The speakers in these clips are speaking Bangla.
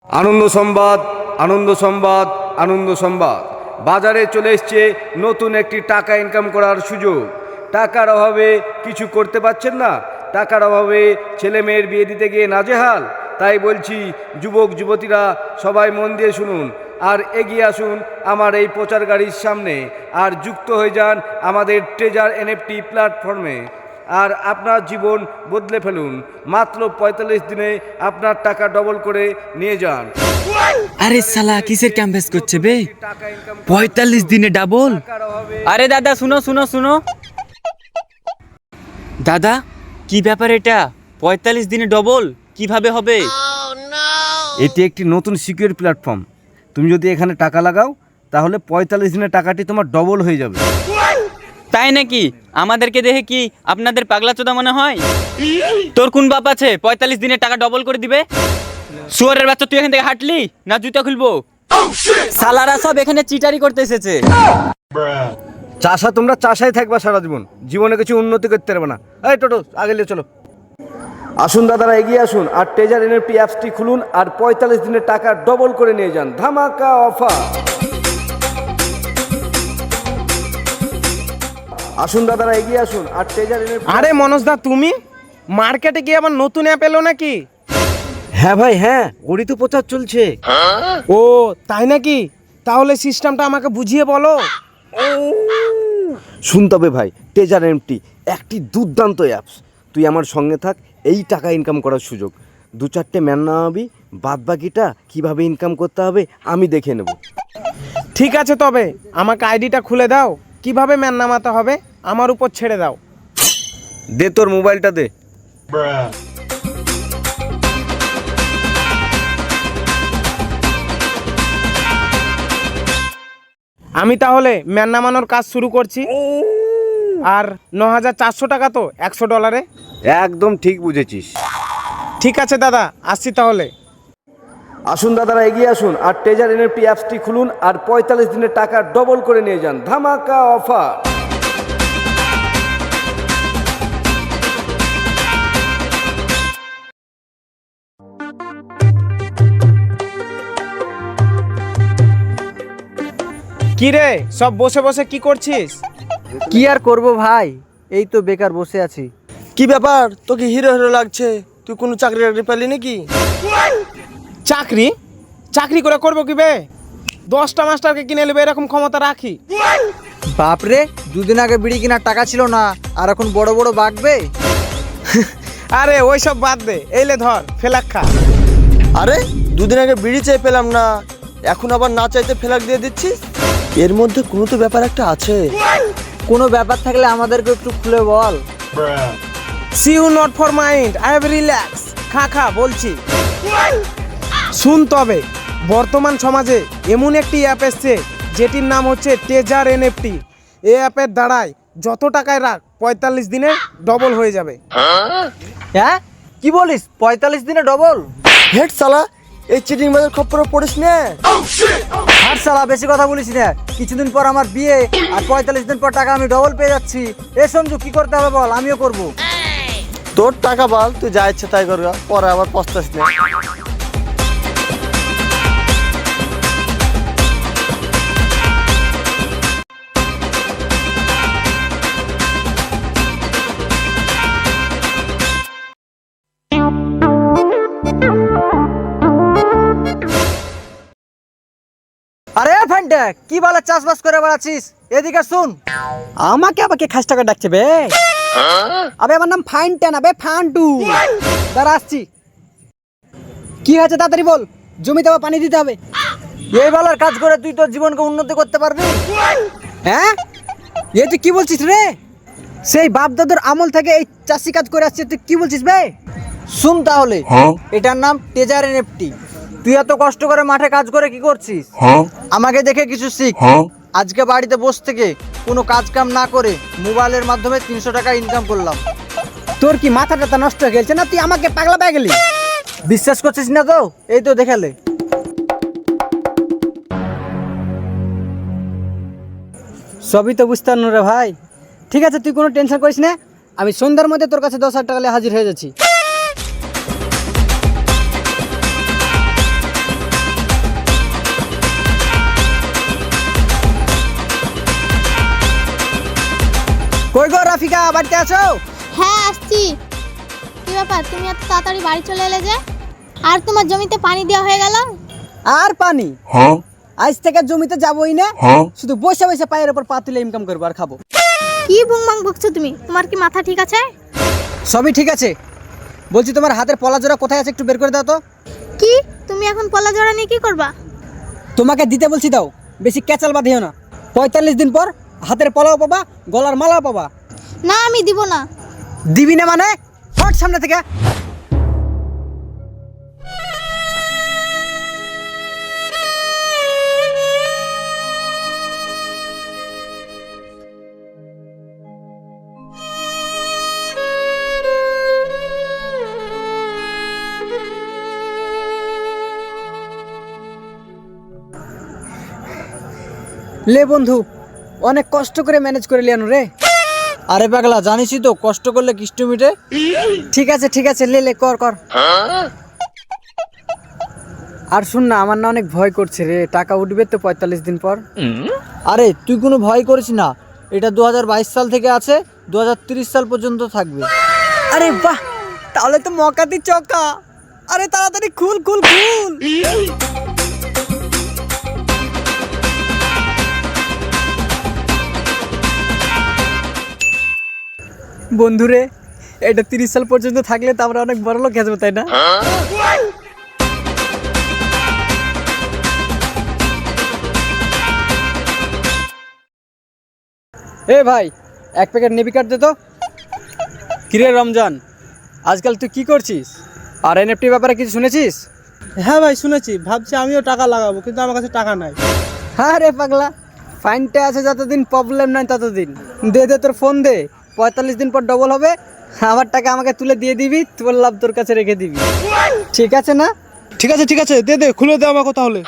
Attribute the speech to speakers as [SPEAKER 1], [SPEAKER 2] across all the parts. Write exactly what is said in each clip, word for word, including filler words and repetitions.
[SPEAKER 1] আনন্দ সংবাদ, আনন্দ সংবাদ, আনন্দ সংবাদ। বাজারে চলে এসছে নতুন একটি টাকা ইনকাম করার সুযোগ। টাকার অভাবে কিছু করতে পারছেন না, টাকার অভাবে ছেলে মেয়ের বিয়ে দিতে গিয়ে নাজেহাল। তাই বলছি যুবক যুবতীরা সবাই মন দিয়ে শুনুন আর এগিয়ে আসুন আমার এই প্রচার গাড়ির সামনে আর যুক্ত হয়ে যান আমাদের ট্রেজার এনএফটি প্ল্যাটফর্মে আর আপনার জীবন বদলে ফেলুন। মাত্র পঁয়তাল্লিশ দিনে আপনার টাকা ডবল করে নিয়ে যান।
[SPEAKER 2] আরে সালা কিসের ক্যাম্পাস করছে বে? পঁয়তাল্লিশ দিনে ডাবল? আরে দাদা শুনো শুনো শুনো দাদা, কি ব্যাপার এটা? পঁয়তাল্লিশ দিনে ডবল কিভাবে হবে?
[SPEAKER 1] এটি একটি নতুন সিকিউর প্ল্যাটফর্ম। তুমি যদি এখানে টাকা লাগাও তাহলে পঁয়তাল্লিশ দিনের টাকাটি তোমার ডবল হয়ে যাবে।
[SPEAKER 2] তাই নাকি? আমাদেরকে দেখে কি আপনাদের পাগলা চোদা মনে হয়? তোর কোন বাপ আছে পঁয়তাল্লিশ দিনের টাকা ডবল করে দিবে? শুয়ারের বাচ্চা, তুই এখান থেকে হাঁটলি না জুতা খুলবো? সালারা সব এখানে চিটারি করতে এসেছে।
[SPEAKER 1] চাষা তোমরা চাষাই থাকবা সারা জীবন, জীবনে কিছু উন্নতি করতে পারবে না। এই টোটো আগে নিয়ে চলো। আসুন দাদারা এগিয়ে আসুন আর ট্রেজার এনএফটি অ্যাপসটি খুলুন আর পঁয়তাল্লিশ দিনের টাকা ডবল করে নিয়ে যান। ধামাকা অফার। আসুন দাদারা এগিয়ে আসুন আর ট্রেজার এনএফটি।
[SPEAKER 3] আরে মনোজদা, তুমি মার্কেটে গিয়ে আবার নতুন অ্যাপ এলো নাকি?
[SPEAKER 1] হ্যাঁ ভাই হ্যাঁ, ওরই তো প্রচার চলছে।
[SPEAKER 3] ও তাই নাকি? তাহলে সিস্টেমটা আমাকে বুঝিয়ে বলো।
[SPEAKER 1] শুনতে হবে ভাই, ট্রেজার এনএফটি একটি দুর্দান্ত অ্যাপস। তুই আমার সঙ্গে থাক, এই টাকা ইনকাম করার সুযোগ। দু চারটে ম্যান নামাবি, বাদ বাকিটা কীভাবে ইনকাম করতে হবে আমি দেখে নেব।
[SPEAKER 3] ঠিক আছে, তবে আমাকে আইডিটা খুলে দাও। কিভাবে ম্যান নামাতে হবে আমার উপর ছেড়ে দাও।
[SPEAKER 1] দে তোর মোবাইলটা দে।
[SPEAKER 3] আমি তাহলে ম্যান নামানোর কাজ শুরু করছি। আর ন হাজার চারশো টাকা তো একশো ডলারে?
[SPEAKER 1] একদম ঠিক বুঝেছিস।
[SPEAKER 3] ঠিক আছে দাদা, আসছি তাহলে।
[SPEAKER 1] আসুন দাদারা এগিয়ে আসুন আর ট্রেজার এনএফটি অ্যাপসটি খুলুন আর পঁয়তাল্লিশ দিনের টাকা ডবল করে নিয়ে যান। ধামাকা অফার।
[SPEAKER 3] কি রে, সব বসে বসে কি করছিস?
[SPEAKER 4] কি আর করব ভাই, এই তো বেকার বসে আছি।
[SPEAKER 5] কি ব্যাপার, তোকে হিরো হিরো লাগছে? তুই কোনো চাকরি টাকরি পেলি নাকি?
[SPEAKER 3] চাকরি চাকরি করে করবো কি বে? দশটা মাস্টারকে কিনে নেবে এরকম ক্ষমতা রাখি?
[SPEAKER 4] বাপরে, দুদিন আগে বিড়ি কেনার টাকা ছিল না আর এখন বড় বড় বাগবে।
[SPEAKER 3] আরে ওইসব বাদ দে, এইলে ধর ফেলাক খা।
[SPEAKER 5] আরে দুদিন আগে বিড়ি চেয়ে পেলাম না, এখন আবার না চাইতে ফেলাক দিয়ে দিচ্ছিস? এর মধ্যে কোনো তো ব্যাপার একটা আছে।
[SPEAKER 4] কোনো ব্যাপার থাকলে আমাদেরকে একটু খুলে বল।
[SPEAKER 3] See you not for mind, I have relax. খা খা বলছি। শুন তবে, বর্তমান সমাজে এমন একটি অ্যাপ এসছে যেটির নাম হচ্ছে ট্রেজার এনএফটি। এই অ্যাপের দ্বারাই যত টাকায় রাখ পঁয়তাল্লিশ দিনে ডবল হয়ে যাবে।
[SPEAKER 4] হ্যাঁ কি বলিস, পঁয়তাল্লিশ দিনে ডবল?
[SPEAKER 5] হেড সালা, এই চিটিং বাজার খপ্পরে পড়িস না।
[SPEAKER 4] আর সালা বেশি কথা বলিস না। কিছুদিন পর আমার বিয়ে আর পঁয়তাল্লিশ দিন পর টাকা আমি ডবল পেয়ে যাচ্ছি। এ সঞ্জু, কি করতে হবে বল, আমিও করব।
[SPEAKER 5] তোর টাকা বল, তুই যা ইচ্ছে তাই করগা, পরে আবার পস্তাস না।
[SPEAKER 4] আরে ফ্যান্টা, কি বলে চাষবাস করে বেড়াচ্ছিস? এদিকে শুন। আমাকে আবার কে খাস টাকা ডাকছে বে? আবে আমার নাম ফাইনটা না বে, ফান্টু। দাঁড়া আসছি। কি হয়েছে তাড়াতাড়ি বল। জমিতে আবার পানি দিতে হবে। এই বলার কাজ করে তুই তোর জীবনকে উন্নতি করতে পারবি? হ্যাঁ, এ তুই কি বলছিস রে? সেই বাপ দাদুর আমল থেকে এই চাষি কাজ করে আসছে, তুই কি বলছিস বে? শুন তাহলে, এটার নাম ট্রেজার এনএফটি। তুই এত কষ্ট করে মাঠে কাজ করে কি করছিস? আমাকে দেখে কিছু শিখ। আজকে বাড়িতে বসে থেকে কোনো কাজ কাম না করে মোবাইলের মাধ্যমে তিনশো টাকা ইনকাম করলাম। তোর কি মাথা টাথা নষ্ট হয়ে গেছে না? তুই আমাকে পাগলা পেয়ে গেলি। বিশ্বাস করছিস না তো? এই তো দেখালে। সবই তো বুঝতে পারল রে ভাই। ঠিক আছে, তুই কোনো টেনশন করিস না। আমি সন্ধ্যার মধ্যে তোর কাছে দশ হাজার টাকা হাজির হয়ে যাচ্ছি। রাফিকা বাড়িতে আছো?
[SPEAKER 6] হ্যাঁ আসছি। কি ব্যাপার, তুমি এত তাড়াতাড়ি বাড়ি চলে এলে যে? আর তোমার জমিতে পানি দেওয়া হয়ে গেল?
[SPEAKER 4] আর পানি? আজ থেকে জমিতে যাবোই না, শুধু বসে বসে পায়ের উপর পা তুলে ইনকাম করবো আর খাবো।
[SPEAKER 6] কি বুংবাং বকছো তুমি? তোমার কি মাথা ঠিক আছে?
[SPEAKER 4] সবই ঠিক আছে। বলছি তোমার হাতের পলা জোড়া কোথায় আছে একটু বের করে দাও তো।
[SPEAKER 6] কি, তুমি এখন পলা জোড়া নিয়ে কি করবা?
[SPEAKER 4] তোমাকে দিতে বলছি দাও, বেশি ক্যাচাল বাঁধিও না। পঁয়তাল্লিশ দিন পর হাতের পলাও পাবা, গলার মালাও পাবা।
[SPEAKER 6] না, আমি দিব না।
[SPEAKER 4] দিবি না মানে? হট সামনে থেকে। লে বন্ধু, অনেক কষ্ট করে ম্যানেজ করে লিয়ানো রে। আরে পাগলা, জানিসই তো কষ্ট করলে কিষ্ট মিটে। ঠিক আছে ঠিক আছে, লে লে কর কর। আর শুন না, আমার না অনেক ভয় করছে রে, টাকা উঠবে তো পঁয়তাল্লিশ দিন পর। আরে তুই কোনো ভয় করিস না, এটা দু হাজার বাইশ সাল থেকে আছে, দু হাজার তিরিশ সাল পর্যন্ত থাকবে। আরে বাহ, তাহলে তো মকাতি চকা। আরে তাড়াতাড়ি খুল খুল খুল। বন্ধুরে, এটা তিরিশ সাল পর্যন্ত থাকলে তো আমরা অনেক বড় লোক হয়ে যাবো, তাই না? এ ভাই, এক প্যাকেট নেবি কার্ড দে তো। কিরে রমজান, আজকাল তুই কি করছিস? আর এনএফটি ব্যাপারে কিছু শুনেছিস?
[SPEAKER 3] হ্যাঁ ভাই শুনেছি, ভাবছি আমিও টাকা লাগাবো, কিন্তু আমার কাছে টাকা নাই।
[SPEAKER 4] হ্যাঁ রে পাগলা, ফাইনটা আছে যতদিন, প্রবলেম নাই ততদিন। দে দে তোর ফোন দে, পঁয়তাল্লিশ দিন পর ডবল হবে, আমার টাকা আমাকে তুলে দিয়ে দিবি, তোর লাভ তোর কাছে রেখে দিবি, ঠিক আছে না?
[SPEAKER 3] ঠিক আছে ঠিক আছে, দে দে, খুলে দে আমাকে তাহলে।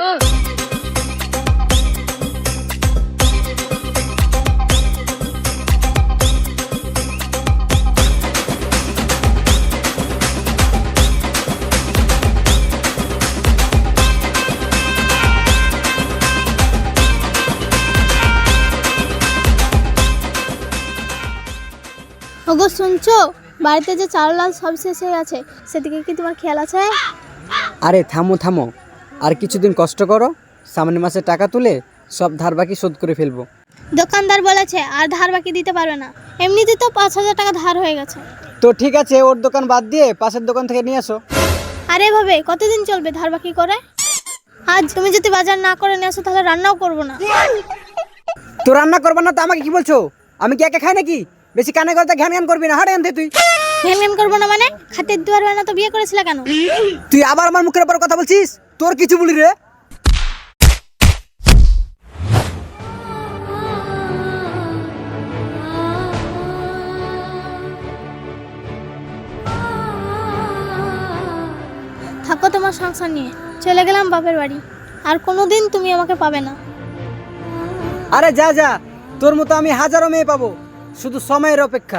[SPEAKER 6] ওগো শুনছো, বাড়িতে যে চাল ডাল সব শেষ হয়ে গেছে, সেদিকে কি তোমার খেয়াল আছে?
[SPEAKER 4] আরে থামো থামো, আর কিছুদিন কষ্ট করো, সামনের মাসে টাকা তুলে সব ধার বাকি শোধ করে ফেলবো।
[SPEAKER 6] দোকানদার বলেছে আর ধার বাকি দিতে পারবে না, এমনিতে তো পাঁচ হাজার টাকা ধার হয়ে গেছে।
[SPEAKER 4] তো ঠিক আছে, ওর দোকান বাদ দিয়ে পাশের দোকান থেকে নিয়ে আসো।
[SPEAKER 6] আরে ভাবে কতদিন চলবে ধার বাকি করে? আজ তুমি যদি বাজার না করে নিয়ে আসো তাহলে রান্নাও করবো না।
[SPEAKER 4] তো রান্না করবা না তো আমাকে কি বলছো? আমি কি একা খাই নাকি? বেশি কানে করতে ঘ্যান ঘ্যান করবি না, হাড়ে আনতে তুই।
[SPEAKER 6] ঘ্যান ঘ্যান করবো না মানে? খাতের দুয়ার হয় না তো বিয়ে করেছিলে কেন?
[SPEAKER 4] তুই আবার আমার মুখের উপর কথা বলছিস? তোর কিছু বলি রে।
[SPEAKER 6] থাকো তোমার সংসার নিয়ে, চলে গেলাম বাপের বাড়ি, আর কোনোদিন তুমি আমাকে পাবে না।
[SPEAKER 4] আরে যা যা, তোর মতো আমি হাজারো মেয়ে পাবো, শুধু সময়ের অপেক্ষা।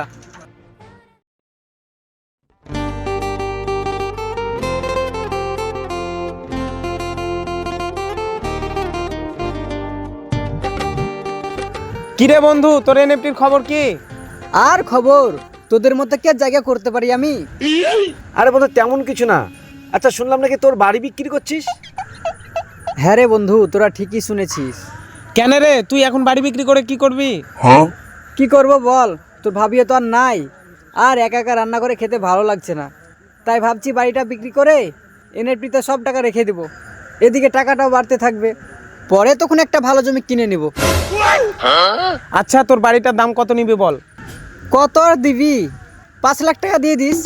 [SPEAKER 3] কিরে বন্ধু, তোর এনএফটির খবর কি?
[SPEAKER 4] আর খবর, তোদের মতো কে জায়গা করতে পারি আমি?
[SPEAKER 1] আরে বন্ধু তেমন কিছু না। আচ্ছা শুনলাম নাকি তোর বাড়ি বিক্রি করছিস?
[SPEAKER 4] হ্যাঁ রে বন্ধু, তোরা ঠিকই শুনেছিস।
[SPEAKER 3] কেন রে, তুই এখন বাড়ি বিক্রি করে কি করবি?
[SPEAKER 4] কি করব বল, তোর ভাবিও তো আর নাই, আর একা একা রান্না করে খেতে ভালো লাগছে না, তাই ভাবছি বাড়িটা বিক্রি করে এনএফটিতে সব টাকা রেখে দেব, এদিকে টাকাটাও বাড়তে থাকবে, পরে তখন একটা ভালো জমি কিনে নিব।
[SPEAKER 3] আচ্ছা তোর বাড়িটার দাম কত নিবি বল?
[SPEAKER 4] কত আর দিবি? পাঁচ লাখ টাকা দিয়ে দিস।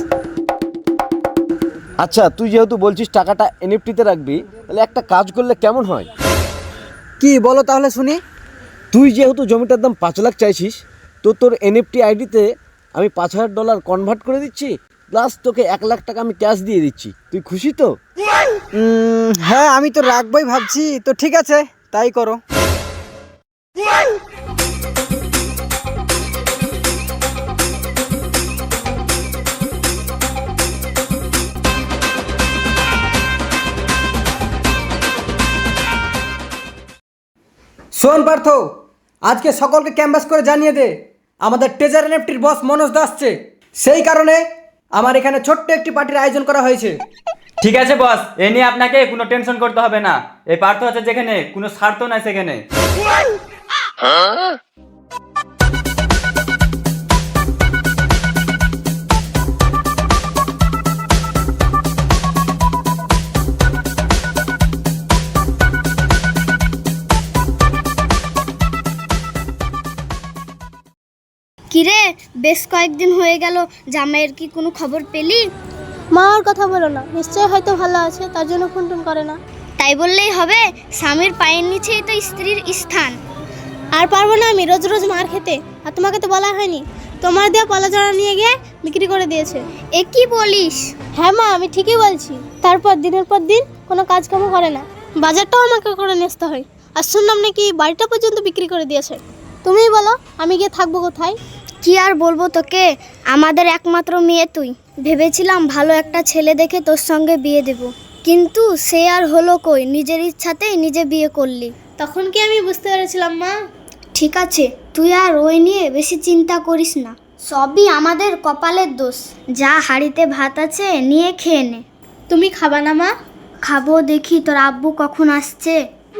[SPEAKER 1] আচ্ছা তুই যেহেতু বলছিস টাকাটা এনএফটিতে রাখবি, তাহলে একটা কাজ করলে কেমন হয়?
[SPEAKER 4] কি বলো তাহলে শুনি।
[SPEAKER 1] তুই যেহেতু জমিটার দাম পাঁচ লাখ চাইছিস, তো তোর এনএফটি আইডিতে আমি পাঁচ হাজার ডলার কনভার্ট করে দিচ্ছি, প্লাস তোকে এক লাখ টাকা আমি ক্যাশ দিয়ে দিচ্ছি। তুই খুশি তো?
[SPEAKER 4] উম, হ্যাঁ আমি তো রাখবোই ভাবছি, তো ঠিক আছে তাই করো। শোন পার্থ, আজকে সকলকে ক্যাম্পাস করে জানিয়ে দে আমাদের ট্রেজার এনএফটির বস মনোজ দা আসছে, সেই কারণে আমার এখানে ছোট্ট একটি পার্টির আয়োজন করা হয়েছে।
[SPEAKER 2] ঠিক আছে বস, এ নিয়ে আপনাকে কোনো টেনশন করতে হবে না। এই পার্থ আছে যেখানে, কোনো স্বার্থ নাই সেখানে।
[SPEAKER 7] কিরে, বেশ কয়েকদিন হয়ে গেল, জামাইয়ের কি কোনো খবর পেলি?
[SPEAKER 6] মা ওর কথা বলো না, নিশ্চয়ই হয়তো ভালো আছে, তার জন্য ফোন টোন করে না।
[SPEAKER 7] তাই বললেই হবে? স্বামীর পায়ের নিচেই তো স্ত্রীর স্থান।
[SPEAKER 6] আর পারবো না আমি রোজ রোজ মার খেতে। আর তোমাকে তো বলা হয়নি, তোমার দেওয়া পলাজড়া নিয়ে গিয়ে বিক্রি করে দিয়েছে।
[SPEAKER 7] এ কি বলিস?
[SPEAKER 6] হ্যাঁ মা, আমি ঠিকই বলছি। তারপর দিনের পর দিন কোনো কাজকাম করে না, বাজারটাও আমাকে করে নিয়ে আসতে হয়। আর শুনলাম নাকি বাড়িটা পর্যন্ত বিক্রি করে দিয়েছে। তুমিই বলো আমি গিয়ে থাকবো কোথায়?
[SPEAKER 7] কি আর বলবো তোকে, আমাদের একমাত্র মেয়ে তুই। ভেবেছিলাম ভালো একটা ছেলে দেখে তোর সঙ্গে বিয়ে দেব, কিন্তু সে আর হলো কই, নিজের ইচ্ছাতেই নিজে বিয়ে করলি।
[SPEAKER 6] তখন কি আমি বুঝতে পেরেছিলাম মা?
[SPEAKER 7] ঠিক আছে, তুই আর ওই নিয়ে বেশি চিন্তা করিস না, সবই আমাদের কপালের দোষ। যা হাঁড়িতে ভাত আছে নিয়ে খেয়ে নে।
[SPEAKER 6] তুমি খাবা না মা?
[SPEAKER 7] খাবো, দেখি তোর আব্বু কখন আসছে।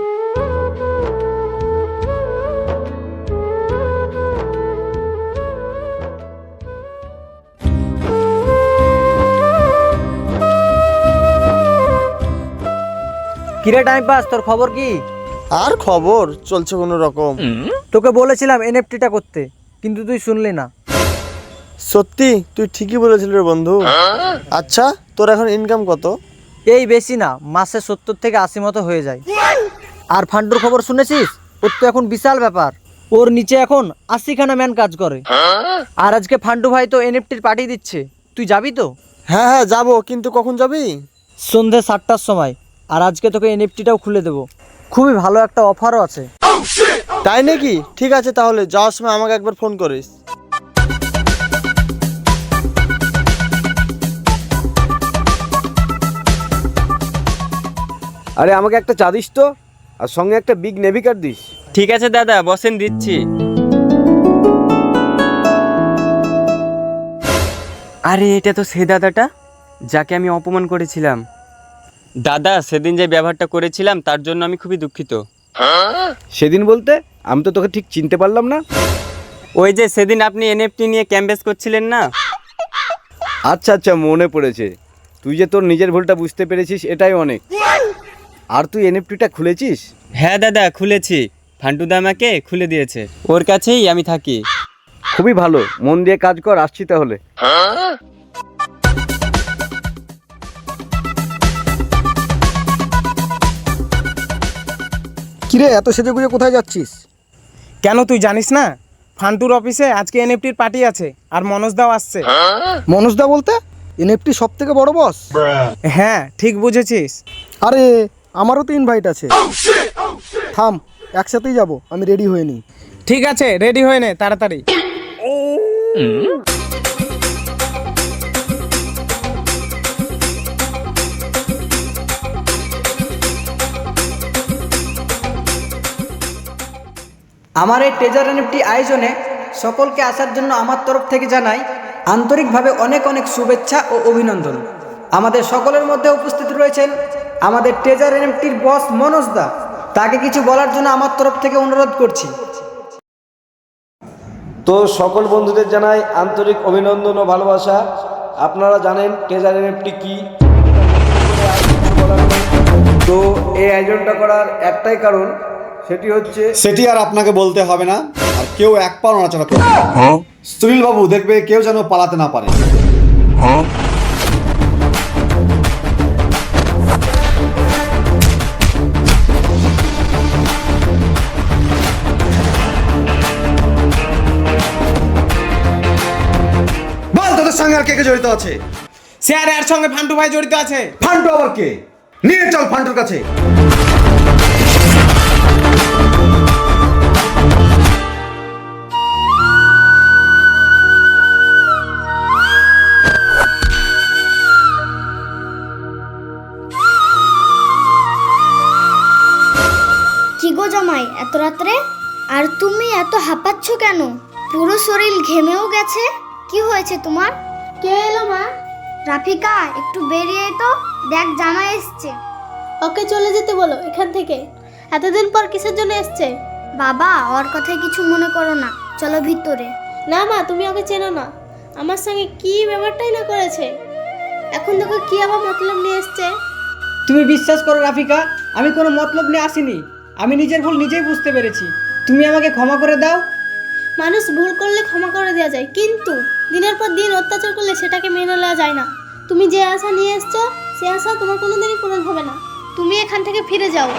[SPEAKER 4] কিরে টাইম পাস, তোর খবর কি?
[SPEAKER 5] আর খবর চলছে কোনো রকম।
[SPEAKER 4] তোকে বলেছিলাম এনএফটিটা করতে, কিন্তু তুই শুনলি না।
[SPEAKER 5] সত্যি তুই ঠিকই বলেছিলি রে বন্ধু। আচ্ছা, তোর এখন ইনকাম কত?
[SPEAKER 4] এই বেশি না, মাসে সত্তর থেকে আশি মতো হয়ে যায়। আর ফান্ডুর খবর শুনেছিস? ওর তো এখন বিশাল ব্যাপার, ওর নিচে এখন আশিখানা ম্যান কাজ করে। আর আজকে ফান্ডু ভাই তো এনএফটির পার্টি দিচ্ছে, তুই যাবি তো?
[SPEAKER 5] হ্যাঁ হ্যাঁ যাবো, কিন্তু কখন যাবি?
[SPEAKER 4] সন্ধ্যে সাতটার সময়। আর আজকে তোকে এনএফটিটাও খুলে দেবো, খুবই ভালো একটা অফারও আছে।
[SPEAKER 5] তাই নাকি? ঠিক আছে, তাহলে যাওয়ার সময় আমাকে একবার ফোন করিস।
[SPEAKER 1] আরে আমাকে একটা চা দিস তো, আর সঙ্গে একটা বিগ নেভি কার্ড দিস।
[SPEAKER 2] ঠিক আছে দাদা, বসেন, দিচ্ছি। আরে এটা তো সে দাদাটা যাকে আমি অপমান করেছিলাম। দাদা, সেদিন যে ব্যবহারটা করেছিলাম তার জন্য আমি খুবই দুঃখিত।
[SPEAKER 1] সেদিন বলতে আমি তো তোকে ঠিক চিনতে পারলাম না।
[SPEAKER 2] ওই যে সেদিন আপনি এনএফটি নিয়ে ক্যাম্পেস করছিলেন না?
[SPEAKER 1] আচ্ছা আচ্ছা, মনে পড়েছে। তুই যে তোর নিজের ভুলটা বুঝতে পেরেছিস, এটাই অনেক। আর তুই এনএফটিটা খুলেছিস?
[SPEAKER 2] হ্যাঁ দাদা, খুলেছি। ফান্টুদা আমাকে খুলে দিয়েছে, ওর কাছেই আমি থাকি।
[SPEAKER 1] খুবই ভালো, মন দিয়ে কাজ কর। আসছি তাহলে।
[SPEAKER 3] কিরে, এত সেজে গুজে কোথায় যাচ্ছিস? কেন তুই জানিস না? ফান্টুর অফিসে আজকে এনএফটির পার্টি আছে, আর মনোজদাও আসছে।
[SPEAKER 8] মনোজদা বলতে এনএফটি সব থেকে বড় বস?
[SPEAKER 3] হ্যাঁ, ঠিক বুঝেছিস।
[SPEAKER 8] আরে আমারও তো ইনভাইট আছে। থাম, একসাথেই যাব, আমি রেডি হয়ে নিই।
[SPEAKER 3] ঠিক আছে, রেডি হয়ে নে তাড়াতাড়ি।
[SPEAKER 4] আমার এই ট্রেজার এনএফটি আয়োজনে সকলকে আসার জন্য আমার তরফ থেকে জানাই আন্তরিকভাবে অনেক অনেক শুভেচ্ছা ও অভিনন্দন। আমাদের সকলের মধ্যে উপস্থিত রয়েছেন আমাদের ট্রেজার এনএফটির বস মনোজ দা। তাকে কিছু বলার জন্য আমার তরফ থেকে অনুরোধ করছি।
[SPEAKER 1] তো সকল বন্ধুদের জানাই আন্তরিক অভিনন্দন ও ভালোবাসা। আপনারা জানেন ট্রেজার এনএফটি কি। তো এই আয়োজনটা করার একটাই কারণ, সেটি হচ্ছে
[SPEAKER 9] সেটি আর আপনাকে বলতে হবে না। আর কেউ এক পা নড়াচড়া করবে না। সুনীল বাবু দেখবে কেউ যেন পালাতে না পারে। বল, তোদের সঙ্গে আর কে কে জড়িত আছে?
[SPEAKER 3] স্যার, এর সঙ্গে ফান্টু ভাই জড়িত আছে।
[SPEAKER 9] ফান্টু আবার কে? নিয়ে চল ফান্টুর কাছে।
[SPEAKER 7] কি গো জামাই, এত রাত্রে? আর তুমি এত হাঁপাচ্ছ কেন? পুরো শরীর ঘেমেও গেছে। কি হয়েছে তোমার?
[SPEAKER 6] কে এলো মা?
[SPEAKER 7] রাফিকা, একটু বেরিয়ে আয় তো, দেখ জামাই এসছে।
[SPEAKER 6] ওকে চলে যেতে বলো এখান থেকে। এতদিন পর কিসের জন্য এসছে?
[SPEAKER 7] বাবা, ওর কথায় কিছু মনে করো না, চলো ভিতরে।
[SPEAKER 6] না মা, তুমি ওকে চেনো না। আমার সঙ্গে কি ব্যাপারটাই না করেছে, এখন দেখো কি আবার মতলব নিয়ে এসছে।
[SPEAKER 4] তুমি বিশ্বাস করো রাফিকা, আমি কোনো মতলব নিয়ে আসিনি। আমি নিজের ভুল নিজেই বুঝতে পেরেছি। তুমি আমাকে ক্ষমা করে দাও।
[SPEAKER 6] মানুষ ভুল করলে ক্ষমা করে দেওয়া যায়, কিন্তু দিনের পর দিন অত্যাচার করলে সেটাকে মেনে নেওয়া যায় না। তুমি যে আশা নিয়ে এসছো সে আশা তোমার কোনোদিনই পূরণ হবে না। তুমি এখান থেকে ফিরে যাও।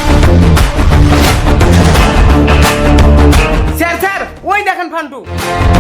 [SPEAKER 3] স্যার স্যার, ওই দেখেন ফান্টু।